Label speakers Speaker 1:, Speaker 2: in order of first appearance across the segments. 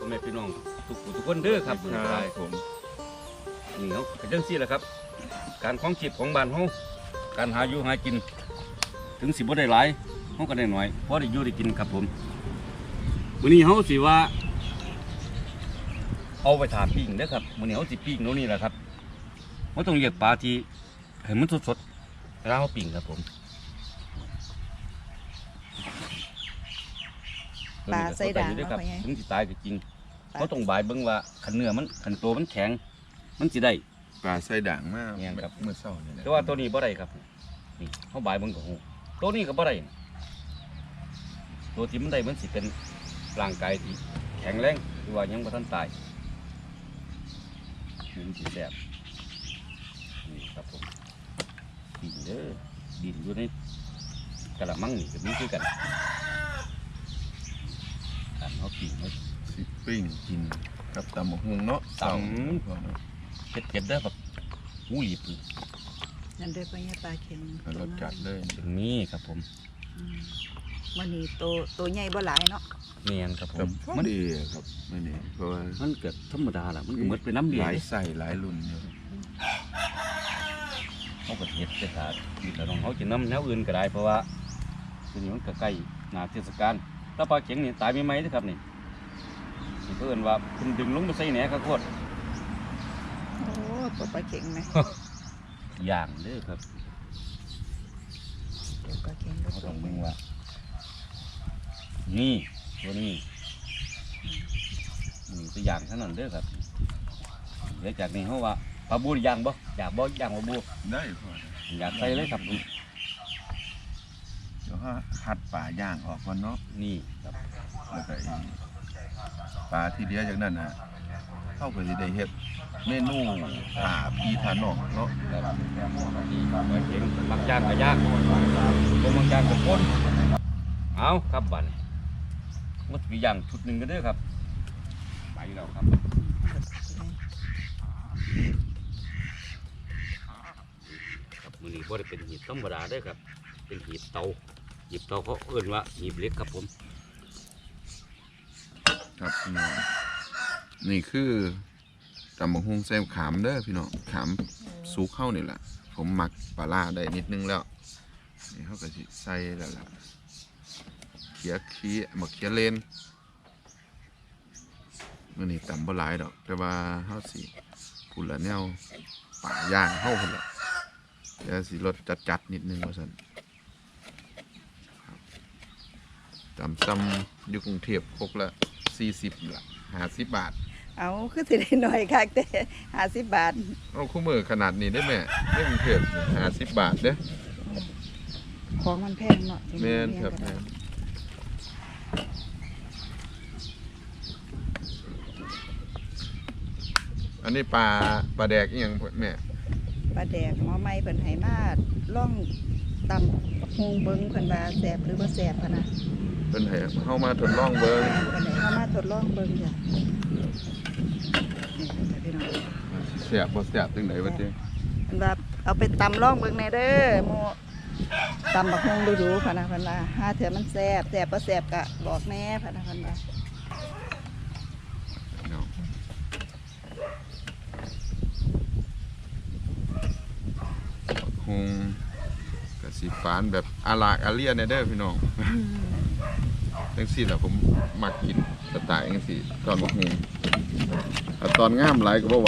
Speaker 1: พ่อแม่พี่น้องทุกคนเด้อครับผมนี่เขาเป็นจังซี่แหละครับการคล้องชีพของบ้านเขาการหาอยู่หากินถึงสิบ่ได้หลายเขาก็ได้หน่อยเพราะได้อยู่ได้กินครับผมมื้อนี้เขาสิว่าเอาไปถาปิ้งเด้อครับมื้อนี้เขาสิปิ้งโน่นนี่แหละครับเขาต้องเรียกปลาที่ให้มันสดๆเวลาเขาปิ้งครับผม
Speaker 2: ปลาใส่ด่าง
Speaker 1: ด้วยครับ
Speaker 2: เอาไปไง
Speaker 1: ถึงสิตายก็จริงเขาต้องบายเบิ่งว่าขันเนื้อมันขันตัวมันแข็งมันสิได้
Speaker 3: ปลาใส่ด่างมาก
Speaker 1: แม่นครับ
Speaker 3: เมื่อเช้านี่แหละ
Speaker 1: แต่ว่าตัวนี้บ่ได้ครับนี่เขาบายเบิ่งก็ฮู้ตัวนี้ก็บ่ได้ตัวที่มันได้มันสิเป็นร่างกายที่แข็งแรงหรือว่ายังบ่ทันตายมันสิแซ่บนี่ครับผมดินเด้อดินอยู่ในกระมังนี่ก็มีคือกันการเขาปิ้งเขา
Speaker 3: สิปิ้งกินกับตำบักหุ่งเนาะ
Speaker 1: ตำ เผ็ดๆเด้อแบบหูหลีบ
Speaker 2: นั่นเด้อไปให้ปลาเค็ม
Speaker 3: รสจัดเลย
Speaker 1: ถึงนี้ครับผม
Speaker 2: วันนี้ตัวใหญ่บ่หลายเนาะ
Speaker 1: เนียนครับผ
Speaker 3: กับ
Speaker 1: ม
Speaker 3: มันดีครับไม่นี่เพราะว่า
Speaker 1: มันเกิดธรรมดาล่ะมันก็เหมือนเป็นน้ำเดื
Speaker 3: ห
Speaker 1: อด
Speaker 3: ลายใส่หลายรุ่นอยู่
Speaker 1: เขาก็เห็ดไปถาดีแต่น้องเขาจะน้ำแนวอื่นก็ได้เพราะว่าทีนี้มันก็ใกล้หนาเทศกาลถ้าปลาเข็งนี่ตายไม่ไหมนะครับนี่เพื่อนว่าคุณดึงลงไปใส่แหนข้าวโพด
Speaker 2: โอ้ตัวปลาเค็งไหม
Speaker 1: อย่างเด้อครับ
Speaker 2: ตัวปลาเค็งก็
Speaker 1: เขา
Speaker 2: ตั
Speaker 1: ต้
Speaker 2: ว
Speaker 1: อง
Speaker 2: ให
Speaker 1: มึ
Speaker 2: ญ่
Speaker 1: งว่านี่ตัวนี้ตัวอย่างเท่านั้นเด้อครับเดี๋ยวจากนี้เขาว่าปลาบูย่างบ่อยากบ่ย่างปลาบู
Speaker 3: ได้พอ
Speaker 1: อยากใส่เลยครับผม
Speaker 3: เดี๋ยวคัดปลาย่างออกก่อนเนาะ
Speaker 1: นี่ครับ
Speaker 3: แล้วก็ปลาที่เดียวจากนั้นฮะเข้าไปสิได้เฮ็ดเมนูถาพีทานอกเนาะ
Speaker 1: ครับนี่ปลาเข็งบางจานก็ยากบางจานก็ข้นเอาครับบัดนี้มันมีอย่างชุดหนึ่งก็ได้อครับไปแล้วครับครับมือนี้บ่ได้เป็นหีบธรรมดาเด้อครับเป็นหีบเตาเขาเอื่นว่าหีบเล็กครับผม
Speaker 3: ครับพี่น้องนี่คือตำบักหุ่งใส่ขามเด้อพี่น้องขามสุกเข้านี่แหละผมหมักปลาร้าได้นิดนึงแล้วนี่เขาก็สิใส่แล้วล่ะเขียหมักเขียเลนมื่อนี้ตำบ่หลายดอกแต่ว่าเขาสิพูดละแนวป่าย่างเข้าคนละเดี๋ยวสิรสจัดนิดนึงว่าสันครับตำซ้ำอยู่กรุงเทพพกละ40ละ50 บาท
Speaker 2: เอาคือสิได้หน่อยค่ะแต่50 บาท
Speaker 3: เอาคู่มือขนาดนี้ได้ไหมไม่กรุงเทพ50 บาทเด้อ
Speaker 2: ของมันแพงเนาะ
Speaker 3: แม่นครับแม่นอันนี้ปลาแดกอีหยังแม่
Speaker 2: ปลาแดกหมอไม้เพิ่นให้มาล่องตำฮงเบิ่งเพิ่นว่าแซ่บหรือบ่แซ่บพะนะ
Speaker 3: เป็นให้เข้ามาทดลองเบิ่ง
Speaker 2: เพิ่นให้เฮามาทดลองเบิ่งจ้ะนี่จ้ะพี่น้อง
Speaker 3: เสียบบ่เสียบจังได๋วะเจ้
Speaker 2: เพิ่นว่าเอาไปตำล่องเบิ่งแน่เด้อหมู่ตำบักฮงดูๆพะนะเพิ่นว่าหาเถื่อมันแซ่บบ่แซ่บก็บอกแน่พะนะเพิ่นว่า
Speaker 3: เนาะคงกสิฟานแบบอาลากอาเลียนเด้อพี่น้องจังซี่ล่ะผมมักกินสไตล์จังซี่ตอนบักฮุงถ้าตอนงามหลายก็บ่ไหว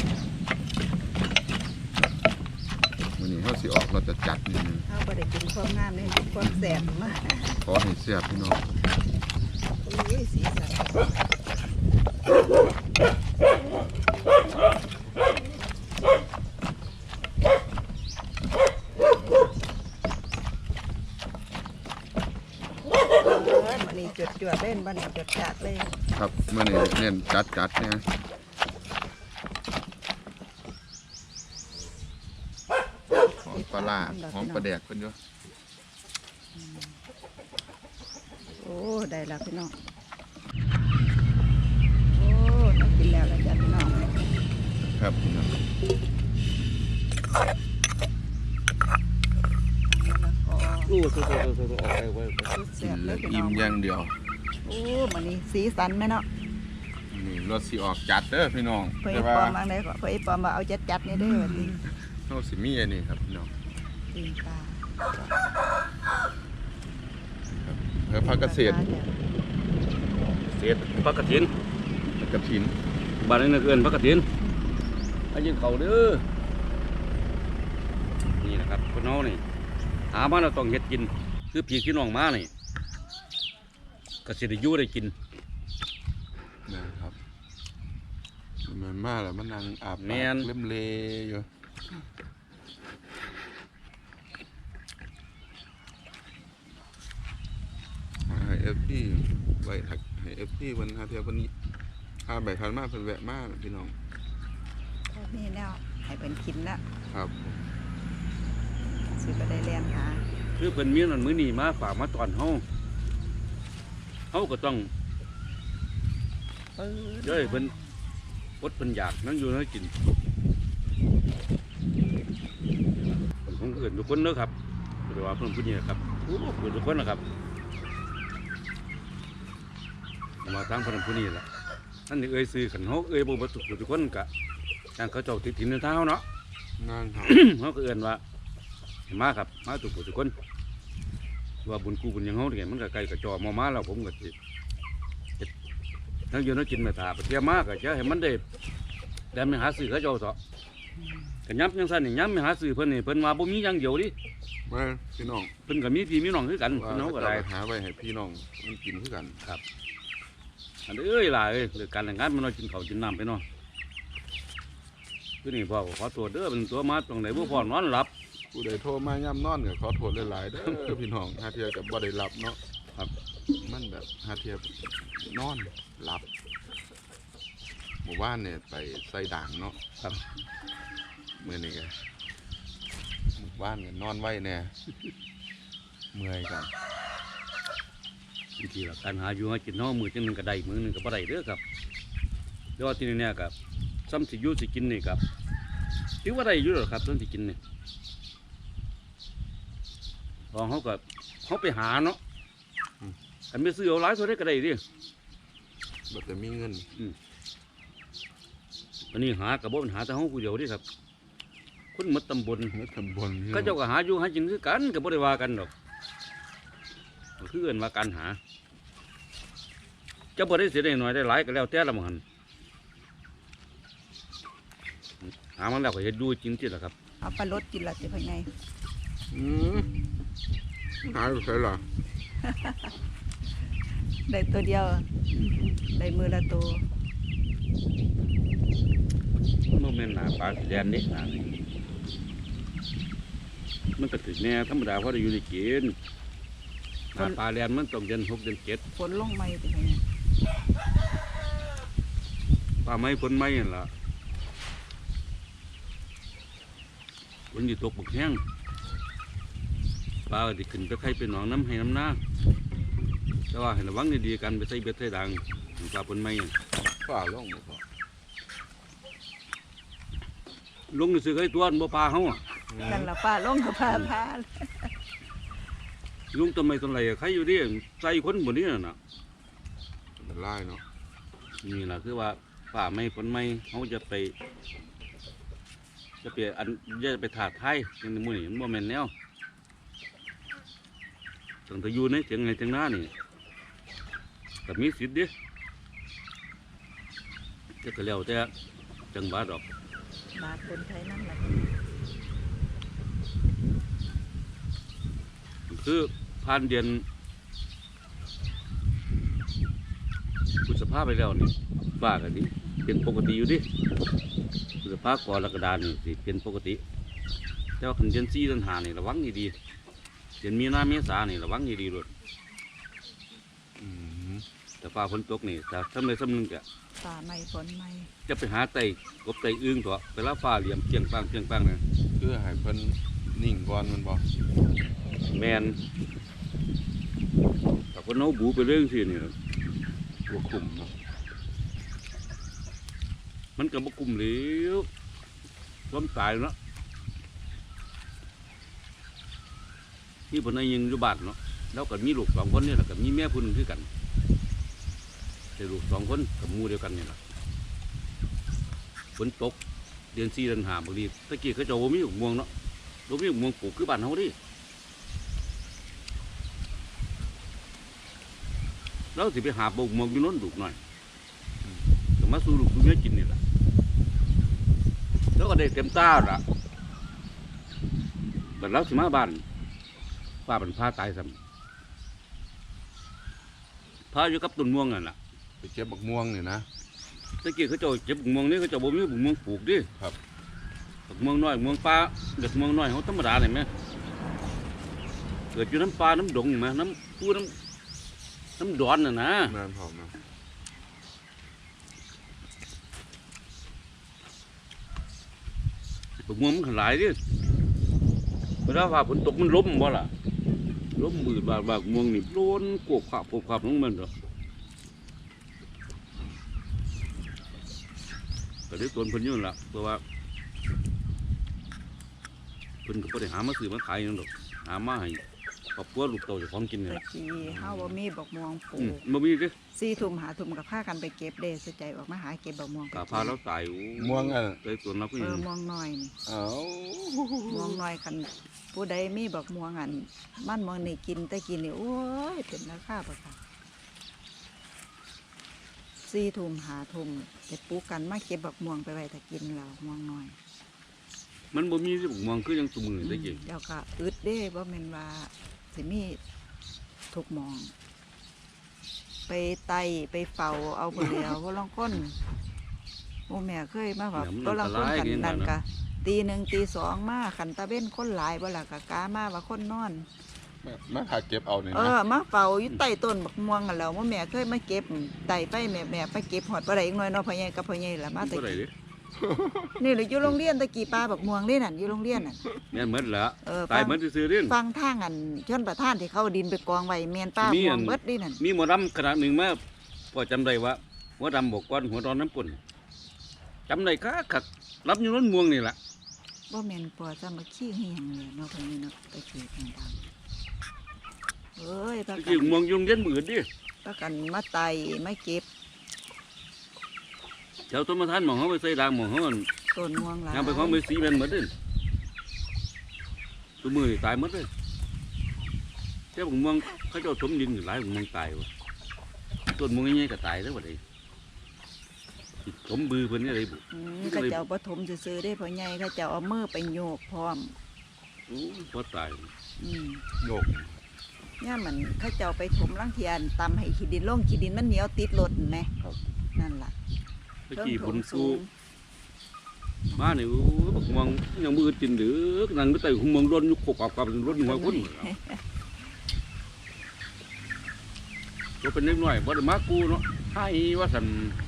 Speaker 3: มื้อนี้เฮาสิออกเราจะจัดนิดนึง
Speaker 2: เฮาบ่ได้กินความงามเลยกินความแซ่บมา
Speaker 3: ขอให้เสียบพี่น้อง
Speaker 2: โอ้ยสีสันวันนี้จุดจวดเล่นวันนี้จุดจัดเลย
Speaker 3: ครับมื้อนี้เน้นจัดเนี่ยหอมปลาร้าหอมปลาแดกเพิ่นอยู่
Speaker 2: โอ้ได้แล้วพี่น้องโอ้ต้องกินแล้วจ้ะพี่น้อง
Speaker 3: ครับพี่น้อง
Speaker 2: แล้วก็
Speaker 1: อู้สู้ๆๆๆออกไปไว้
Speaker 2: สุด
Speaker 3: กิ
Speaker 2: แซ่
Speaker 3: น
Speaker 2: บเล
Speaker 3: แล้
Speaker 2: ยว พี่น้
Speaker 3: อิ่
Speaker 2: อ
Speaker 3: ม
Speaker 2: ง
Speaker 3: อย่างเดียว
Speaker 2: โอ้มันนี่สีสันไหมเนาะ
Speaker 3: นี่รถสิออกจัดเด้อพี่น้อง
Speaker 2: เพื่อ
Speaker 3: แต่
Speaker 2: ป
Speaker 3: ว่า
Speaker 2: อมบางได้ก็เพื่อปอมมาเอาจัดๆนี่เด้อว่าติ
Speaker 3: เฮาสิมีอันนี้ครับพี่น้อง
Speaker 2: ตีนปลา
Speaker 3: เพื่อพักเกษตร
Speaker 1: เศษผักกระถิน
Speaker 3: กระถิน
Speaker 1: บ้านนี้เอื้อนผักกระถินอันยิงเขาเด้อนี่นะครับคนน้องนี่หามาเราต้องเฮ็ดกินคือพี่พี่น้องมานี่ก็สิได้อยู่ได้กิน
Speaker 3: นะครับมันมาแล้วมันนั่งอาบ
Speaker 1: แม่น
Speaker 3: เล่มเลอยู่ให้เอฟพีไว้ถักให้เอฟพีวันหาเทียบวันนี้ใบพันมาเพิ่นแวะมาพี่น้อง
Speaker 2: นี่แนวให้เป็นกินนะครับ สิก็ได้เรียนหา
Speaker 1: คือเพิ่นมีนั่นมื้อนี้มาฝากมาตอนเฮาก็ต้อง
Speaker 2: ปื้
Speaker 1: เด้อเพิ่นอดเพิ่นอยากนั่งอยู่นั่งกินเพิ่นคงเอื่นทุกคนเด้อครับหรือว่าเพิ่นผู้นี้นะครับโอ้เอื่นทุกคนนะครับมาทางเพิ่นผู้นี้ล่ะนั่นนี่เอ่ยซื้อกันเฮาเอ่ยบ่บ่ทุกคนก็ทางเขาเจ้าติดถิ่นเท้าเนาะ
Speaker 3: งานครับ
Speaker 1: เขาก็เอื่นว่าให้มาครับมาทุกคนว่าบุญกูบุญหยังเฮาเนี่ยมันก็ไกลกับจอมาแล้วผมก็สิเฮ็ดทั้งอยู่นั่งกินแม่ตาไปเที่ยวมากก็จะให้มันได้ไม่หาซื้อเขาเจ้าเถาะก็ย้ำจังซั่นนี่ย้ำไม่หาซื้อเพิ่นนี่เพิ่นว่าบ่มีอย่างเดียวดิ
Speaker 3: มาพี่น้อง
Speaker 1: เพิ่นก็มีพี่มีน้องคือกัน
Speaker 3: ว่า
Speaker 1: พี่น้องก็ได้
Speaker 3: จะหาไว้ให้พี่น้องมันกินคือกัน
Speaker 1: อันเอ้ยล่ะเอ้ยเรื่องการแต่งงานมันน้อยกินข้าวกินน้ำไปเนาะคือนี่พ่อก็ขอตัวเด้อเป็นตัวมาตรงไหนบ่พอนอนหลับ
Speaker 3: ผู้ใดโทรมาย่ำนอนก็ขอโทษหลายๆเด้อ พี่น้องหาเทียกับบ่ได้หลับเนาะ
Speaker 1: ครับ
Speaker 3: มันแบบหาเทียนอนหลับหมู่บ้านเนี่ยไปใส่ด่างเนาะ
Speaker 1: ครับ
Speaker 3: มื้อนี้ก็หมู่บ้านเนี่ยนอนไว้แน่ เมื่อยกัน
Speaker 1: บางทีล่ะการหาอยู่หากินเฮามื้อจังหนึงก็ได้มื้อหนึงก็บ่ได้เด้อครับแต่ว่าที่นี่เนี่ยก็ซ้ำสิอยู่สิกินนี่ครับถือว่าได้อยู่หรอกครับซ้ำสิกินนี่พอเขาไปหาเนาะอันไม่ซื้อเอาหลายเท่าได้ก็ได้ดิ
Speaker 3: บ่แต่มีเงิน
Speaker 1: อันนี้หากับบ่เป็นหาแต่เฮาผู้เดียวดิครับคนหมดตำบล
Speaker 3: เฮ็ดตำบล
Speaker 1: ก็เจ้าก็หาอยู่หากินคือกันก็บ่ได้ว่ากันดอกก็คือเอิ้นว่าการหาเจ้าบ่ได้เสียได้น้อยได้หลายก็แล้วแต่ละหมันหามันแล้วก็เฮ็ดดูจริงที่ล่ะครับ
Speaker 2: เอาปลาลดกินละสิพ่อใหญ่
Speaker 3: อืมหายไปไสล่ะ
Speaker 2: ได้ตัวเดียวได้มือละตัว
Speaker 1: มันบ่แม่นหน้าปลาสีแดงนี่หน้านี่มันก็ถึกแน่ธรรมดาเพราะได้อยู่ได้กินหน้าปลาแดงมันต้องเดือน6เดือน7
Speaker 2: ฝนลงไหมสิพ่อใหญ่
Speaker 1: ปลาไม้ผลไม้นั่นล่ะฝนอยู่ตกบักแห้งปลาก็สิขึ้นไปไข่ไปหนองน้ำให้น้ำหน้าแต่ว่าให้ระวังดีๆกันไปใส่เบ็ดใส่ดังปลาผลไม้นั่น
Speaker 3: ฟ้าลงบ่พอ
Speaker 1: ลงซื้อไข่ตัวบ่ปลาเฮาอะ
Speaker 2: นั่นละป้าลงกับป้าพา
Speaker 1: ลุงทำไมต้นไรอะใครอยู่ดิใส่คนบนนี้น่ะ
Speaker 3: เป็นลายเนาะ
Speaker 1: นี่ล่ะคือว่าป่าไม้ผลไม้เขาจะไปอันจะไปถาดไทยอย่างนี้มื้อนี้มันบ่แม่นแนวตั้งแต่อยู่ในเถียงไงเถียงหน้านี่ก็มีสิทธิ์เด้จะก็แล้วแต่จังหวัดดอก
Speaker 2: บาดคนไทยนั่นแหละ
Speaker 1: คือผ่านเดือนพฤษภาไปแล้วนี่ฟ้าก็ดิเป็นปกติอยู่ดิพฤษภากรกฎานี่สิเป็นปกติแต่ว่าคันเดือน4เดือน5นี่ระวังดีๆเดือนมีนาเมษานี่ระวังดีๆด้วย
Speaker 3: อืม
Speaker 1: แต่ฟ้าฝนตกนี่ถ้าทำได้สำนึงก็
Speaker 2: ป่าไม่ฝนไม่
Speaker 1: จะไปหาไต่กบไต่อึ้งตัวเวลาฟ้าเหลี่ยมเพียงปังเพียงปังนะ
Speaker 3: คือให้เพิ่นนิ่งก่อนมันบ่
Speaker 1: แมนแต่คนเอาบูไปเรื่องสินี่ล่ะ
Speaker 3: บ่คุมเนาะ
Speaker 1: มันก็บกลุ่มเหลวความตายเนาะที่ผมนายยิงอยู่บ้านเนาะแล้วก็มีลูก2 คนนี่แหละก็มีแม่พุ่นคือกันได้ลูก2คนกับหมู่เดียวกันนี่ล่ะฝนตกเดือน4เดือน5บางทีตะกี้เขาเจ้าบ่มีบักม่วงเนาะบ่มีบักม่วงปลูกคือบ้านเฮาดิเราสิไปหาบักม่วงอยู่โน้นลูกหน่อยก็มาสู่ลูกสู่เมียกินนี่ล่ะแล้วก็ได้เต็มตาล่ะบัดเราสิมาบ้านป้าเป็นพาตายซ้ำพาอยู่กับต้นม่วงนั่นล่ะ
Speaker 3: ไปเก็บบักม่วงนี่นะ
Speaker 1: ตะกี้เขาเจ้าเก็บบักม่วงนี่เขาเจ้าบ่มีบักม่วงปลูกดิ
Speaker 3: ครับ
Speaker 1: บักม่วงน้อยบักม่วงป่าเด็กม่วงน้อยเขาธรรมดาเลยไหมเกิดอยู่น้ำปลาน้ำดงไหมน้ำปูน้ำดอนน่ะนะ
Speaker 3: แม่นพร้อมนะ
Speaker 1: บักม่วงมันขลายดิเวลาว่าฝนตกมันล้มบ่ล่ะล้มมืดบาดบักม่วงนี่โดนกวบขับลงมันเถอะก็ได้ตัวเพิ่นอยู่นั่นล่ะเพราะว่าเพิ่นก็บ่ได้หามาซื้อมาขายหยังดอกหามาให้ครอบครัวลูกเต้าเจ้าของกินนี่
Speaker 2: ตะ
Speaker 1: ล่ะ
Speaker 2: กี้เฮาบ่มีบักม่วงปลู
Speaker 1: อืม
Speaker 2: ก
Speaker 1: บ่มีเด้
Speaker 2: 4 ทุ่ม5 ทุ่มก็พากันไปเก็บเด้สใจออกมาหาเก็บบักม่วงไป
Speaker 1: กาพาเราตายโอ้
Speaker 3: ม่วงอ่ะ
Speaker 1: ได้ตัวนัก
Speaker 2: ม่วงน้อยนี่
Speaker 3: เอ้า
Speaker 2: ม่วงน้อยคันผู้ใดมีบักม่วงอันมันม่วงนี่กินแต่กินนี่โอ้ยเป็นราคาบ่ค่ะ4 ทุ่ม5 ทุ่มไปปลูกกันมาเก็บบักม่วงไปไว้ถ้ากินแล้วม่วงน้อย
Speaker 1: มันบ่มีสิบุกมองคือยังตุมือได้กิน
Speaker 2: เดี๋ยวก็อึดเด้บ่แม่นว่าสิมีทุกหมอง ไปไต่ไปเฝ้าเอาผู้เดียวบ่ลองคนโอ้แม่เคยมาแบบบ่ลองคนกันนั่นก็ตีหนึ่งตีสองมาขันตะเว้นคนหลายบ่ล่ะก็กามาว่าคนนอน
Speaker 3: มาหาเก็บเอานี่นะ
Speaker 2: มาเฝ้าอยู่ใต้ต้นบักม่วงกันแล้วว่าแม่เคยมาเก็บไต่ไปแม่ไปเก็บหอดบ่ได้อีกหน่อยเนาะพ่อใหญ่กับพ่อใหญ่ล่ะมาแต่
Speaker 1: บ่ได้
Speaker 2: กี้
Speaker 1: เด้
Speaker 2: นี่แหละอยู่โรงเรียนตะกี้ปลาบักม่วงนี่นั่นอยู่โรงเรียนน่ะ
Speaker 1: แม่นหมดแล้ว
Speaker 2: ฟั
Speaker 1: ตาย
Speaker 2: ง
Speaker 1: หมดซื่อๆเด้
Speaker 2: ฟังทางอันชนประทานที่เขาเอาดินไปกองไว้แม่นป้า
Speaker 1: มี
Speaker 2: ม่ว
Speaker 1: อั
Speaker 2: ง
Speaker 1: น
Speaker 2: เบิดนี่นั่น
Speaker 1: มีหมอดำขนาดหนึ่งมาพอจำได้ว่าหัวดำบอกก้อนหัวร้อนน้ำปุ่นจำได้คักรับอยู่นั้นม่วงนี่ล่ะ
Speaker 2: บ่แม่นปอจะมาขี้เหียงเลยเนาะพ่อใหญ่เนาะตะกี้ทางดำเอ้ยปา
Speaker 1: ตะ
Speaker 2: กั
Speaker 1: กี้
Speaker 2: น
Speaker 1: ม่วงยุงเย็นมือดิ
Speaker 2: ปากันมาไต่มาเก็บ
Speaker 1: แถวต้นมะทานหมองเขาไปใส่ด่างหมองเขามัน
Speaker 2: ต้นม่วงหลาย
Speaker 1: ยามไปของไปสีแม่นหมดเด้ตัวมือนี่ตายหมดเลยแต่บุกม่วงเขาเจ้าถมดินอยู่หลายบุกม่วงตายวะต้นม่วงใหญ่ๆก็ตายแล้วบ่ได้ถมบือเพิ่นนี่อะไรบุ
Speaker 2: เขาเจ้าปฐมซื่อๆได้พ่อใหญ่เขาเจ้าเอามือไปโยกพร้อม
Speaker 1: โอ้พอตาย
Speaker 2: อืม
Speaker 3: โยก
Speaker 2: ย่ามันเขาเจ้าไปถมลังเทียนตำให้ขี้ดินลงขี้ดินมันเหนียวติดรถเห็นไหมนั่นล่ะ
Speaker 1: ตะกี้
Speaker 2: เทิ
Speaker 1: บุ
Speaker 2: ง
Speaker 1: ญ
Speaker 2: โถ
Speaker 1: สู้
Speaker 2: ง
Speaker 1: มาเนี่ยโอ้ยบักม่วงยังมือตินเดือกนั่งก็ไต่หุ่มม่วงร้อนยุกกกับร้อนหัวคนก็เป็นเล็กน้อยบ่ได้มากูเนาะให้ว่าสัน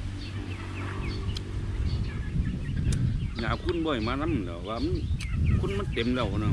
Speaker 1: หยาคุณบ่อยมานำเนาะว่ามันคุณมันเต็มแล้วเนาะ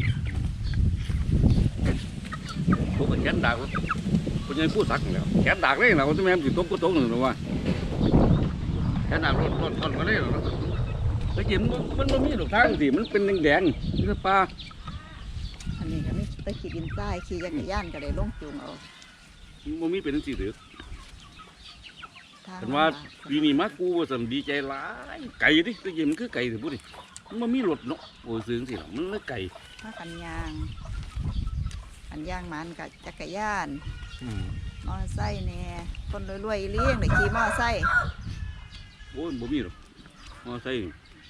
Speaker 1: พวกแขนดากคนยังพูดสักแล้วแขนดากเลยนะว่าจะแม่นสิตกก็ตกหนึ่งหรอว่าแขนดากร้อนมาเลยเนาะตะกี้มันบ่มีดอกทางสิมันเป็นแดงๆนี่ปลา
Speaker 2: อันนี้ก็ไม่ตะขี้ดินทรายขี่จักรยานก็เลยลงจูงเอา
Speaker 1: มันมีเป็นสีเหลือง
Speaker 2: ทาง
Speaker 1: แต่ว่าปีนี้มากูว่าสันดีใจหลายไก่ดิตะกี้มันคือไก่ถือพูดดิมันมีรถเนาะโอ้ยซื้อสิล่ะมันเลยไก่
Speaker 2: ถ้ากันยางอันยางมันกับจักรยาน มอไซค์แน่คนรวยๆเลี้ยงได้ขี่มอไซค์
Speaker 1: โอ้ยบ่มีหรอกมอไซค์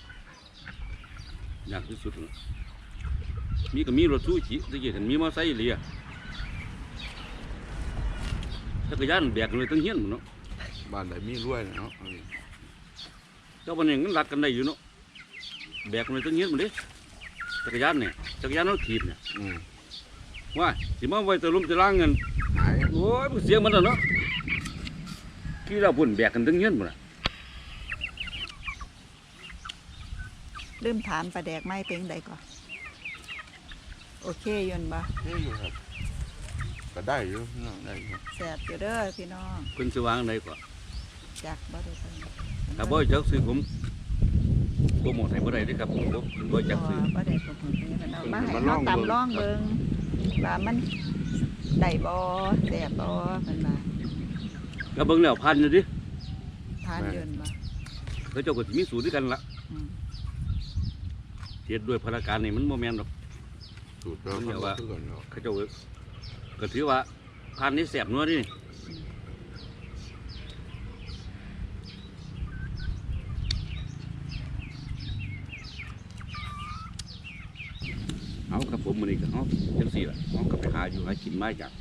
Speaker 1: ยากที่สุดแล้วมีก็มีรถซูชิตะกี้กันมีมอไซค์เลยจักรยานแบกเลยตั้งเฮียนหมดเนาะ
Speaker 3: บ้านไหนมีรวยเนาะ
Speaker 1: เจ้าวันนี้มันรัดกันได้อยู่เนาะแบกเลยตั้งเฮียนหมดเด้จักรยานเนี่ยจักรยานเราถีบเนี่ย
Speaker 3: อืม
Speaker 1: ว่าสิมาไว้ตะลุมตะล่างเงิน
Speaker 3: หาย
Speaker 1: โอ้ยเสียงมันแล้วเนาะที่เราพุ่นแบกกันตั้งเงี้ยนหมดละ
Speaker 2: เริ่มถามปลาแดกไม้เป็นใดก่อนโอเคยนต์บ่
Speaker 3: นี่อยู่ครับก็ได้อยู่เนาะได้อยู่
Speaker 2: แสบอยู่เด้อพี่น้อง
Speaker 1: เพิ่นสิวางได้กว่า
Speaker 2: จักบ่ได้เพิ่น
Speaker 1: ถ้าบ่จักซื้อผมโปรโมทให้บ่ได้เด้อครับผมบ่จักซื้อ
Speaker 2: บ่ได้ผมนี่มันเอามาให้เราตำล่องเบิ่งว่ามันได้บ่แสบบ่เพิ่นว่า
Speaker 1: ก็เบิ่งแล้วพันอยู่ดิ
Speaker 2: านเดินบ่
Speaker 1: เขาเจ้าก็สิมีสูตรด้วยกันละ
Speaker 2: อืม
Speaker 1: เทียดด้วยพนักงานนี่มันโมแมนหรอก
Speaker 3: สูตรเรา
Speaker 1: มันเรียกว่า
Speaker 3: คือกันเนาะ
Speaker 1: เขาเจ้าก็ถือว่าพันนี้แสบนัวนี่เอาครับผมมันนี่ก็เอาจังสี่ละเอาก็ไปหาอยู่หากินไม้จาก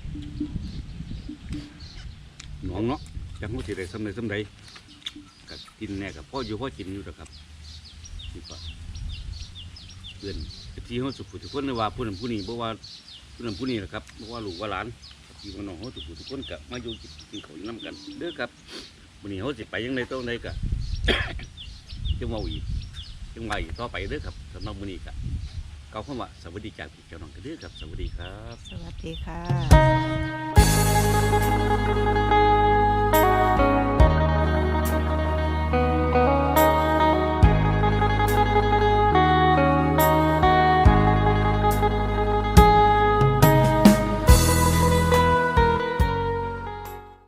Speaker 1: หนองเนาะจังเขาสิได้สำเร็จสำใดก็กินแน่กับพ่ออยู่พ่อกินอยู่นะครับนี่ก็เพื่อนที่เขาสุขุทุกคนเลยว่าผู้นั้นผู้นี้เพราะว่าผู้นั้นผู้นี้แหละครับเพราะว่าลูกว่าหลานพี่ว่าน้องเขาสุขุทุกคนก็มาอยู่กินข้าวอยู่น้ำกันเด้อครับวันนี้เขาสิไปยังไงต้องใดก็ จังว่าอีกจังว่าอีกต่อไปเด้อครับสำหรับวันนี้ก็เก่าเข้ามาสวัสดีจากพี่เจ้าน้องกันเด้อครับสวัสดีครับ
Speaker 2: สวัสดีค่ะ